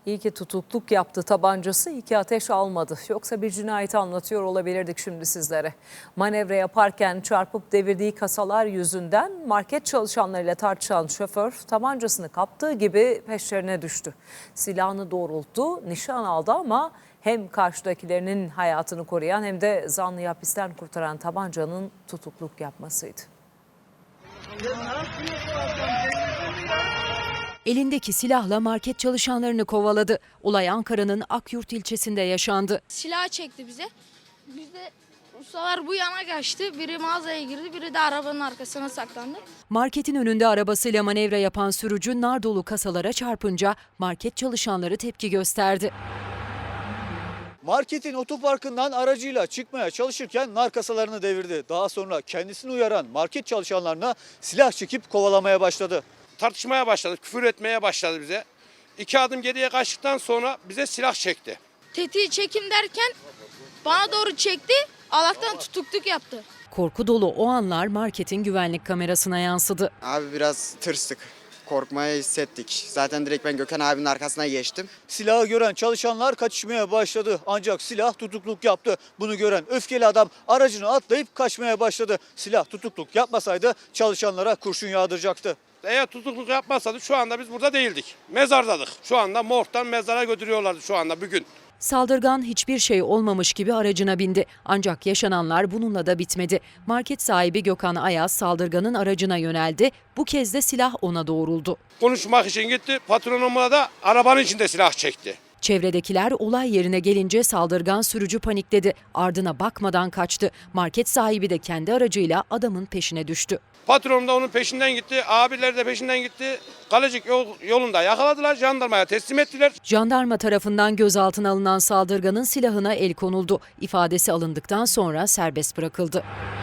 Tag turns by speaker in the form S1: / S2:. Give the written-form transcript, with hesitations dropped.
S1: İyi ki tutukluk yaptı tabancası, iyi ki ateş almadı. Yoksa bir cinayeti anlatıyor olabilirdik şimdi sizlere. Manevra yaparken çarpıp devirdiği kasalar yüzünden market çalışanlarıyla tartışan şoför tabancasını kaptığı gibi peşlerine düştü. Silahını doğrulttu, nişan aldı ama hem karşıdakilerinin hayatını koruyan hem de zanlıyı hapisten kurtaran tabancanın tutukluk yapmasıydı.
S2: Elindeki silahla market çalışanlarını kovaladı. Olay Ankara'nın Akyurt ilçesinde yaşandı.
S3: Silah çekti bize. Biz de ustalar bu yana kaçtı. Biri mağazaya girdi, biri de arabanın arkasına saklandı.
S2: Marketin önünde arabasıyla manevra yapan sürücü nar dolu kasalara çarpınca market çalışanları tepki gösterdi.
S4: Marketin otoparkından aracıyla çıkmaya çalışırken nar kasalarını devirdi. Daha sonra kendisini uyaran market çalışanlarına silah çekip kovalamaya başladı.
S5: Tartışmaya başladı, küfür etmeye başladı bize. 2 adım geriye kaçtıktan sonra bize silah çekti.
S3: Tetiği çekim derken bana doğru çekti. Allah'tan tutukluk yaptı.
S2: Korku dolu o anlar marketin güvenlik kamerasına yansıdı.
S6: Abi biraz tırstık. Korkmaya hissettik. Zaten direkt ben Gökhan abinin arkasına geçtim.
S4: Silahı gören çalışanlar kaçışmaya başladı. Ancak silah tutukluk yaptı. Bunu gören öfkeli adam aracını atlayıp kaçmaya başladı. Silah tutukluk yapmasaydı çalışanlara kurşun yağdıracaktı.
S5: Eğer tutukluk yapmazsa şu anda biz burada değildik. Mezardadık. Şu anda morgdan mezara götürüyorlardı şu anda bugün.
S2: Saldırgan hiçbir şey olmamış gibi aracına bindi. Ancak yaşananlar bununla da bitmedi. Market sahibi Gökhan Ayaz saldırganın aracına yöneldi. Bu kez de silah ona doğruldu.
S5: Konuşmak için gitti. Patronuma da arabanın içinde silah çekti.
S2: Çevredekiler olay yerine gelince saldırgan sürücü panikledi. Ardına bakmadan kaçtı. Market sahibi de kendi aracıyla adamın peşine düştü.
S5: Patronum da onun peşinden gitti. Abileri de peşinden gitti. Kalecik yolunda yakaladılar. Jandarmaya teslim ettiler.
S2: Jandarma tarafından gözaltına alınan saldırganın silahına el konuldu. İfadesi alındıktan sonra serbest bırakıldı.